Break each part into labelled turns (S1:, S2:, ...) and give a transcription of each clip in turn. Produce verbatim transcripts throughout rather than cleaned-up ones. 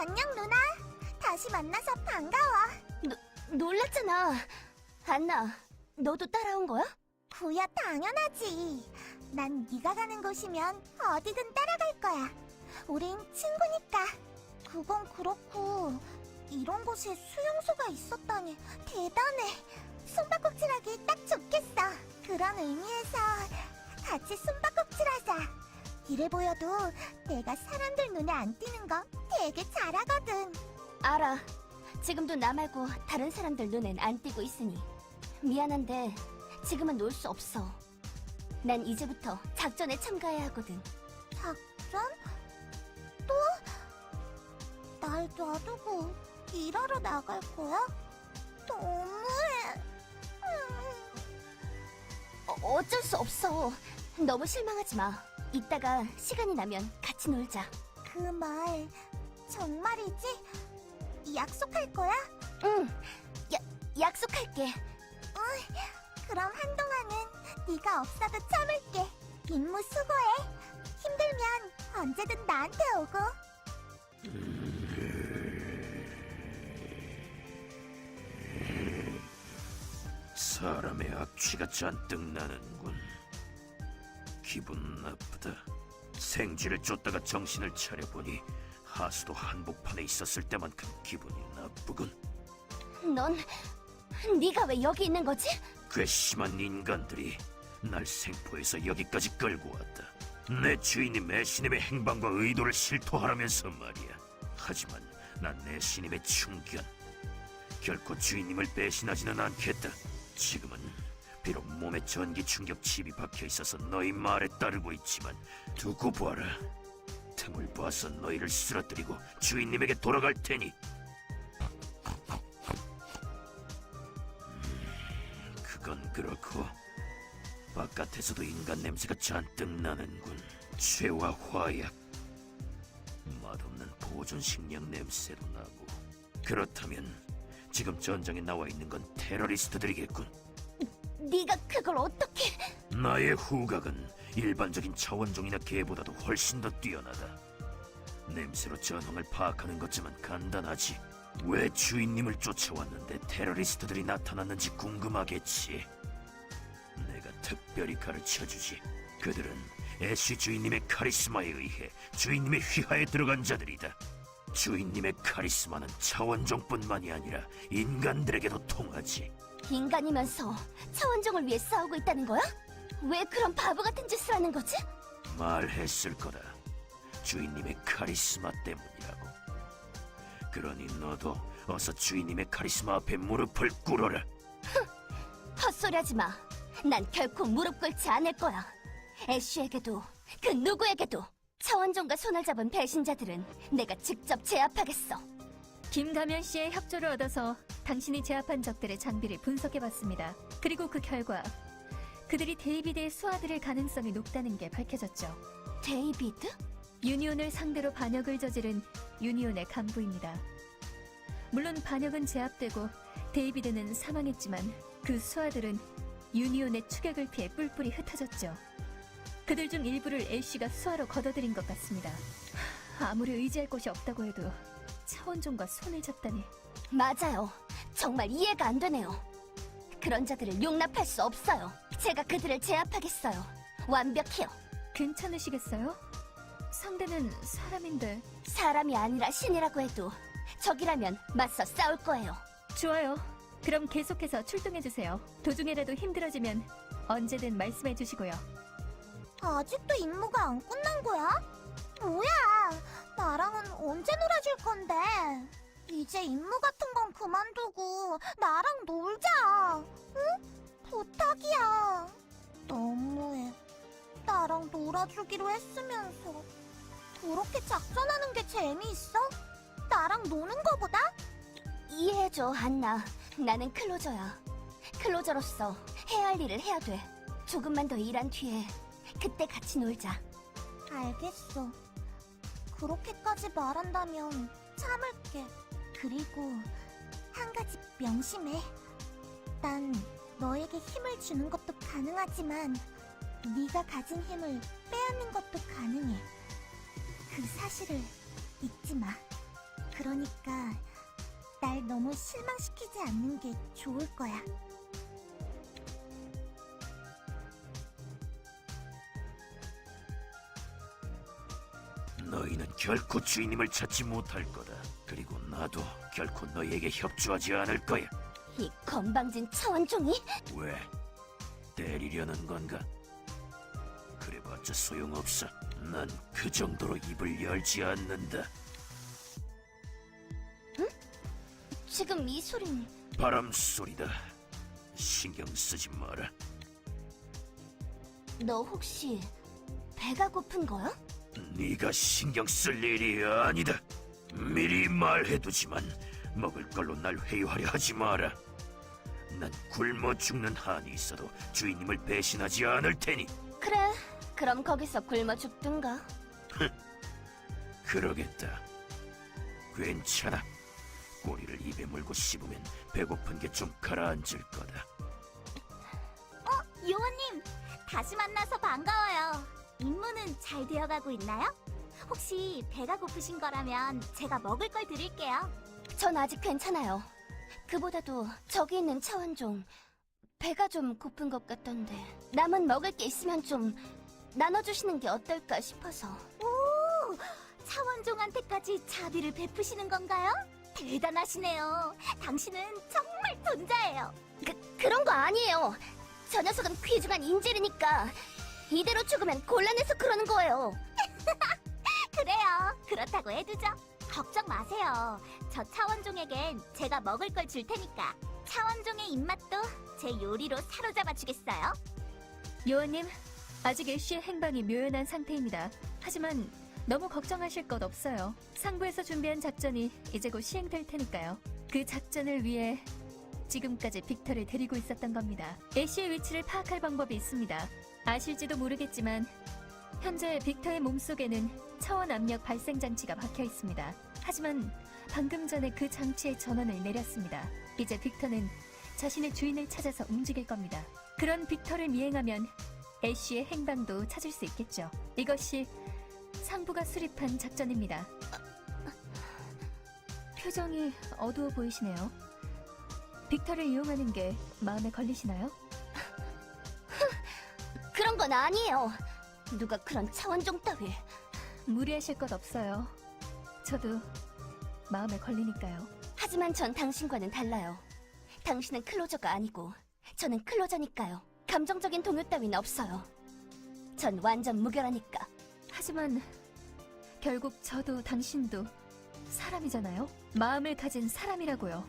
S1: 안녕, 누나. 다시 만나서 반가워.
S2: 노, 놀랐잖아. 안나, 너도 따라온 거야?
S1: 구야, 당연하지. 난 네가 가는 곳이면 어디든 따라갈 거야. 우린 친구니까. 그건 그렇고 이런 곳에 수용소가 있었다니 대단해. 숨바꼭질하기 딱 좋겠어. 그런 의미에서 같이 숨바꼭질하자. 이래 보여도 내가 사람들 눈에 안 띄는 거 되게 잘하거든.
S2: 알아. 지금도 나 말고 다른 사람들 눈엔 안 띄고 있으니. 미안한데 지금은 놀 수 없어. 난 이제부터 작전에 참가해야 하거든.
S1: 작전? 또? 날 놔두고 일하러 나갈 거야? 너무해. 음.
S2: 어, 어쩔 수 없어. 너무 실망하지 마. 이따가 시간이 나면 같이 놀자.
S1: 그 말 정말이지? 약속할 거야?
S2: 응, 야, 약속할게.
S1: 그럼 한동안은 네가 없어도 참을게. 임무 수고해. 힘들면 언제든 나한테 오고.
S3: 사람의 악취가 잔뜩 나는군. 기분 나쁘다. 생쥐를 쫓다가 정신을 차려보니 하수도 한복판에 있었을 때만큼 기분이 나쁘군.
S2: 넌 네가 왜 여기 있는 거지?
S3: 괘씸한 인간들이 날 생포해서 여기까지 끌고 왔다. 내 주인이 매신임의 행방과 의도를 실토하라면서 말이야. 하지만 난 내 신임의 충견. 결코 주인님을 배신하지는 않겠다. 지금은 비록 몸에 전기 충격 칩이 박혀 있어서 너희 말에 따르고 있지만 두고 봐라. 틈을 봐서 너희를 쓰러뜨리고 주인님에게 돌아갈 테니. 음, 그건 그렇고 바깥에서도 인간 냄새가 잔뜩 나는군. 죄와 화약, 맛없는 보존 식량 냄새도 나고. 그렇다면 지금 전장에 나와 있는 건 테러리스트들이겠군.
S2: 네가 그걸 어떻게...
S3: 나의 후각은 일반적인 차원종이나 개보다도 훨씬 더 뛰어나다. 냄새로 전황을 파악하는 것쯤은 간단하지. 왜 주인님을 쫓아왔는데 테러리스트들이 나타났는지 궁금하겠지. 내가 특별히 가르쳐주지. 그들은 애쉬 주인님의 카리스마에 의해 주인님의 휘하에 들어간 자들이다. 주인님의 카리스마는 차원종뿐만이 아니라 인간들에게도 통하지.
S2: 인간이면서 차원종을 위해 싸우고 있다는 거야? 왜 그런 바보 같은 짓을 하는 거지?
S3: 말했을 거다. 주인님의 카리스마 때문이라고. 그러니 너도 어서 주인님의 카리스마 앞에 무릎을 꿇어라.
S2: 헛소리하지 마. 난 결코 무릎 꿇지 않을 거야. 애쉬에게도 그 누구에게도. 차원종과 손을 잡은 배신자들은 내가 직접 제압하겠어.
S4: 김가면 씨의 협조를 얻어서 당신이 제압한 적들의 장비를 분석해봤습니다. 그리고 그 결과 그들이 데이비드의 수하들일 가능성이 높다는 게 밝혀졌죠.
S2: 데이비드?
S4: 유니온을 상대로 반역을 저지른 유니온의 간부입니다. 물론 반역은 제압되고 데이비드는 사망했지만 그 수하들은 유니온의 추격을 피해 뿔뿔이 흩어졌죠. 그들 중 일부를 애쉬가 수하로 걷어들인 것 같습니다. 아무리 의지할 곳이 없다고 해도 차원종과 손을 잡다니.
S2: 맞아요. 정말 이해가 안 되네요. 그런 자들을 용납할 수 없어요. 제가 그들을 제압하겠어요. 완벽해요.
S4: 괜찮으시겠어요? 상대는 사람인데.
S2: 사람이 아니라 신이라고 해도 적이라면 맞서 싸울 거예요.
S4: 좋아요. 그럼 계속해서 출동해주세요. 도중에라도 힘들어지면 언제든 말씀해주시고요.
S1: 아직도 임무가 안 끝난 거야? 뭐야? 나랑은 언제 놀아줄 건데? 이제 임무 같은 건 그만두고 나랑 놀자. 응? 부탁이야. 너무해. 나랑 놀아주기로 했으면서 그렇게 작전하는 게 재미있어? 나랑 노는 거보다?
S2: 이해해줘, 안나. 나는 클로저야. 클로저로서 해야 할 일을 해야 돼. 조금만 더 일한 뒤에 그때 같이 놀자.
S1: 알겠어. 그렇게까지 말한다면 참을게. 그리고 한 가지 명심해. 난 너에게 힘을 주는 것도 가능하지만 네가 가진 힘을 빼앗는 것도 가능해. 그 사실을 잊지 마. 그러니까 날 너무 실망시키지 않는 게 좋을 거야.
S3: 너희는 결코 주인님을 찾지 못할 거다. 그리고 나도 결코 너희에게 협조하지 않을 거야.
S2: 이 건방진 차원종이?
S3: 왜? 때리려는 건가? 그래봤자 소용없어. 난 그 정도로 입을 열지 않는다.
S2: 지금 이 소린
S3: 바람 소리다. 신경 쓰지 마라.
S2: 너 혹시 배가 고픈 거야?
S3: 네가 신경 쓸 일이 아니다. 미리 말해두지만 먹을 걸로 날 회유하려 하지 마라. 난 굶어 죽는 한이 있어도 주인님을 배신하지 않을 테니.
S2: 그래, 그럼 거기서 굶어 죽든가.
S3: 그러겠다. 괜찮아. 꼬리를 입에 물고 씹으면 배고픈 게 좀 가라앉을 거다.
S1: 요원님, 다시 만나서 반가워요. 임무는 잘 되어가고 있나요? 혹시 배가 고프신 거라면 제가 먹을 걸 드릴게요.
S2: 전 아직 괜찮아요. 그보다도 저기 있는 차원종 배가 좀 고픈 것 같던데 남은 먹을 게 있으면 좀 나눠주시는 게 어떨까 싶어서.
S1: 오, 차원종한테까지 자비를 베푸시는 건가요? 대단하시네요. 당신은 정말 돈자예요.
S2: 그, 그런 거 아니에요. 저 녀석은 귀중한 인질이니까 이대로 죽으면 곤란해서 그러는 거예요.
S1: 그래요. 그렇다고 해두죠. 걱정 마세요. 저 차원종에겐 제가 먹을 걸 줄 테니까 차원종의 입맛도 제 요리로 사로잡아 주겠어요.
S4: 요원님, 아직 애쉬의 행방이 묘연한 상태입니다. 하지만 너무 걱정하실 것 없어요. 상부에서 준비한 작전이 이제 곧 시행될 테니까요. 그 작전을 위해 지금까지 빅터를 데리고 있었던 겁니다. 애쉬의 위치를 파악할 방법이 있습니다. 아실지도 모르겠지만 현재 빅터의 몸속에는 차원 압력 발생 장치가 박혀 있습니다. 하지만 방금 전에 그 장치의 전원을 내렸습니다. 이제 빅터는 자신의 주인을 찾아서 움직일 겁니다. 그런 빅터를 미행하면 애쉬의 행방도 찾을 수 있겠죠. 이것이 상부가 수립한 작전입니다. 표정이 어두워 보이시네요. 빅터를 이용하는 게 마음에 걸리시나요?
S2: 그런 건 아니에요. 누가 그런 차원종 따위.
S4: 무리하실 것 없어요. 저도 마음에 걸리니까요.
S2: 하지만 전 당신과는 달라요. 당신은 클로저가 아니고 저는 클로저니까요. 감정적인 동요 따윈 없어요. 전 완전 무결하니까.
S4: 하지만 결국 저도 당신도 사람이잖아요. 마음을 가진 사람이라고요.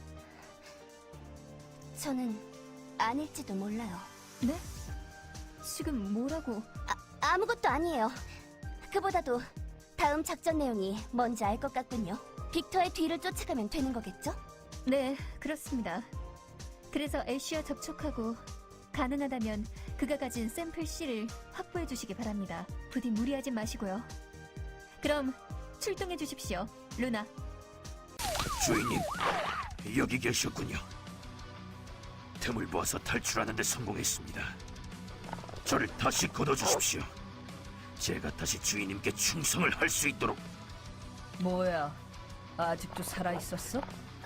S2: 저는 아닐지도 몰라요.
S4: 네? 지금 뭐라고?
S2: 아무것도 아니에요. 그보다도 다음 작전 내용이 뭔지 알 것 같군요. 빅터의 뒤를 쫓아가면 되는 거겠죠?
S4: 네, 그렇습니다. 그래서 애쉬와 접촉하고 가능하다면 그가 가진 샘플 C를 확보해 주시기 바랍니다. 부디 무리하지 마시고요. 그럼 출동해 주십시오, 루나.
S3: 주인님, 여기 계셨군요. 틈을 보아서 탈출하는 데 성공했습니다. 저를 다시 걷어주십시오. 제가 다시 주인님께 충성을 할 수 있도록.
S5: 뭐야, 아직도 살아있었어?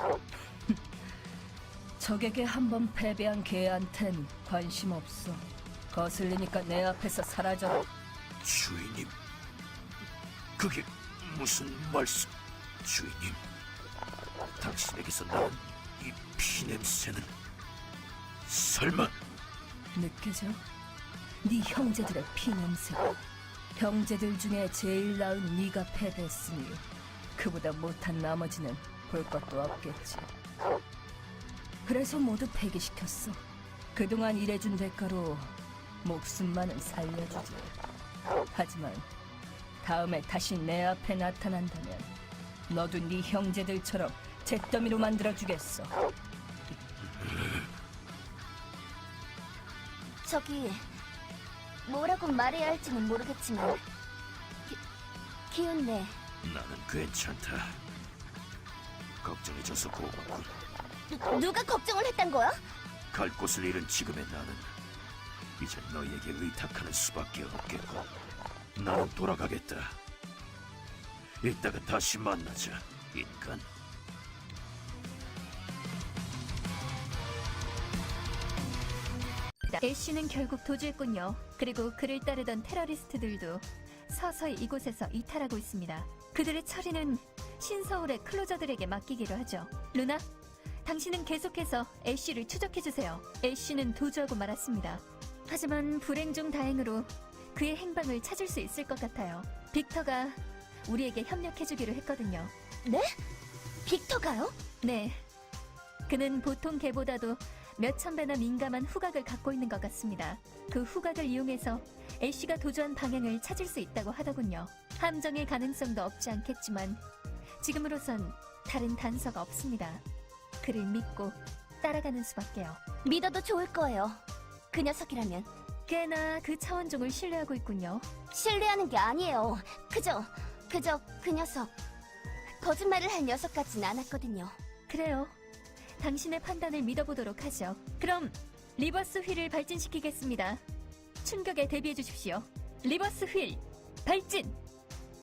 S5: 적에게 한 번 패배한 개한텐 관심 없어. 거슬리니까 내 앞에서 사라져라.
S3: 주인님, 그게 무슨 말씀? 주인님, 당신에게서 나는 이 피냄새는 설마...
S5: 느껴져? 네 형제들의 피냄새. 형제들 중에 제일 나은 네가 패배했으니 그보다 못한 나머지는 볼 것도 없겠지. 그래서 모두 폐기시켰어. 그동안 일해준 대가로 목숨만은 살려주지. 하지만 다음에 다시 내 앞에 나타난다면 너도 네 형제들처럼 잿더미로 만들어주겠어.
S2: 저기 뭐라고 말해야 할지는 모르겠지만 기, 기운내.
S3: 나는 괜찮다. 걱정해줘서 고맙군.
S2: 누, 누가 걱정을 했단 거야?
S3: 갈 곳을 잃은 지금의 나는 이제 너희에게 의탁하는 수밖에 없겠고, 나는 돌아가겠다. 이따가 다시 만나자. 인간.
S4: 애쉬는 결국 도주했군요. 그리고 그를 따르던 테러리스트들도 서서히 이곳에서 이탈하고 있습니다. 그들의 처리는 신서울의 클로저들에게 맡기기로 하죠. 루나, 당신은 계속해서 애쉬를 추적해주세요. 애쉬는 도주하고 말았습니다. 하지만 불행 중 다행으로 그의 행방을 찾을 수 있을 것 같아요. 빅터가 우리에게 협력해주기로 했거든요.
S2: 빅터가요?
S4: 네. 그는 보통 개보다도 몇천 배나 민감한 후각을 갖고 있는 것 같습니다. 그 후각을 이용해서 애쉬가 도주한 방향을 찾을 수 있다고 하더군요. 함정일 가능성도 없지 않겠지만 지금으로선 다른 단서가 없습니다. 그를 믿고 따라가는 수밖에요.
S2: 믿어도 좋을 거예요. 그 녀석이라면.
S4: 꽤나 그 차원종을 신뢰하고 있군요.
S2: 신뢰하는 게 아니에요. 그저, 그저 그 녀석. 거짓말을 할 녀석 같진 않았거든요.
S4: 그래요. 당신의 판단을 믿어보도록 하죠. 그럼 리버스 휠을 발진시키겠습니다. 충격에 대비해 주십시오. 리버스 휠 발진!